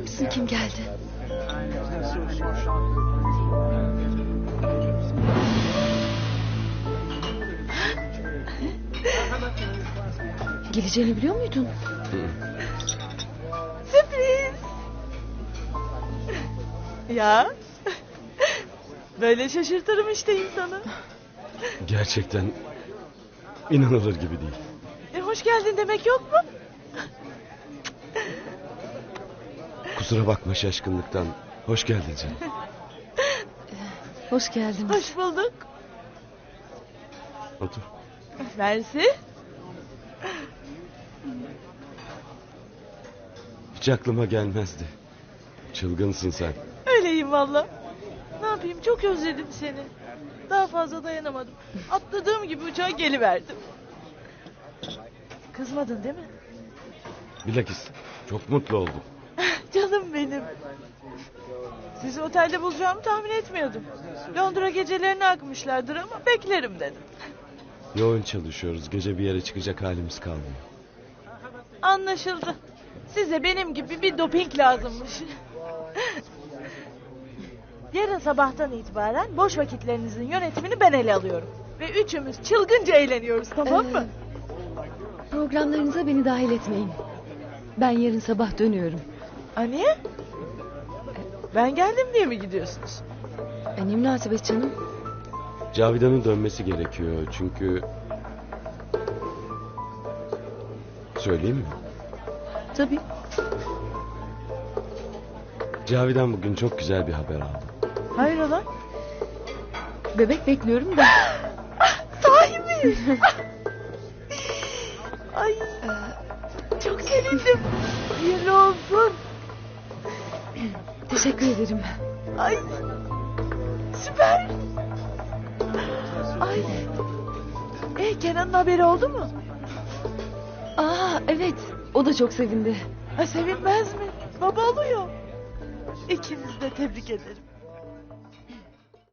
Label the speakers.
Speaker 1: misin kim geldi? Geleceğini biliyor muydun?
Speaker 2: Sürpriz. Ya. Böyle şaşırtırım işte insanı.
Speaker 3: Gerçekten inanılır gibi değil.
Speaker 2: Hoş geldin demek yok mu?
Speaker 3: Kusura bakma şaşkınlıktan. Hoş geldin canım.
Speaker 1: Hoş geldiniz.
Speaker 2: Hoş bulduk.
Speaker 3: Otur.
Speaker 2: Mersi.
Speaker 3: Hiç aklıma gelmezdi. Çılgınsın sen.
Speaker 2: Öyleyim valla. Ne yapayım, çok özledim seni. Daha fazla dayanamadım. Atladığım gibi uçağa geliverdim. Kızmadın değil mi?
Speaker 3: Bilakis çok mutlu oldum.
Speaker 2: Canım benim. Sizi otelde bulacağımı tahmin etmiyordum. Londra gecelerine akmışlardır ama beklerim dedim.
Speaker 3: Yoğun çalışıyoruz. Gece bir yere çıkacak halimiz kalmıyor.
Speaker 2: Anlaşıldı. Size benim gibi bir doping lazımmış. Yarın sabahtan itibaren boş vakitlerinizin yönetimini ben ele alıyorum. Ve üçümüz çılgınca eğleniyoruz, tamam mı?
Speaker 1: Programlarınıza beni dahil etmeyin. Ben yarın sabah dönüyorum.
Speaker 2: Niye? Ben geldim diye mi gidiyorsunuz?
Speaker 1: Ne münasebet canım.
Speaker 3: Cavidan'ın dönmesi gerekiyor çünkü... Söyleyeyim mi?
Speaker 1: Tabii.
Speaker 3: Cavidan bugün çok güzel bir haber aldı.
Speaker 2: Hayrola?
Speaker 1: Bebek bekliyorum da.
Speaker 2: Sahi mi? Ay, çok sevindim. Hayırlı olsun.
Speaker 1: Teşekkür ederim.
Speaker 2: Ay, süper. Ay. Kenan'ın haberi oldu mu?
Speaker 1: Evet. O da çok sevindi.
Speaker 2: Sevinmez mi? Baba oluyor. İkinizi de tebrik ederim.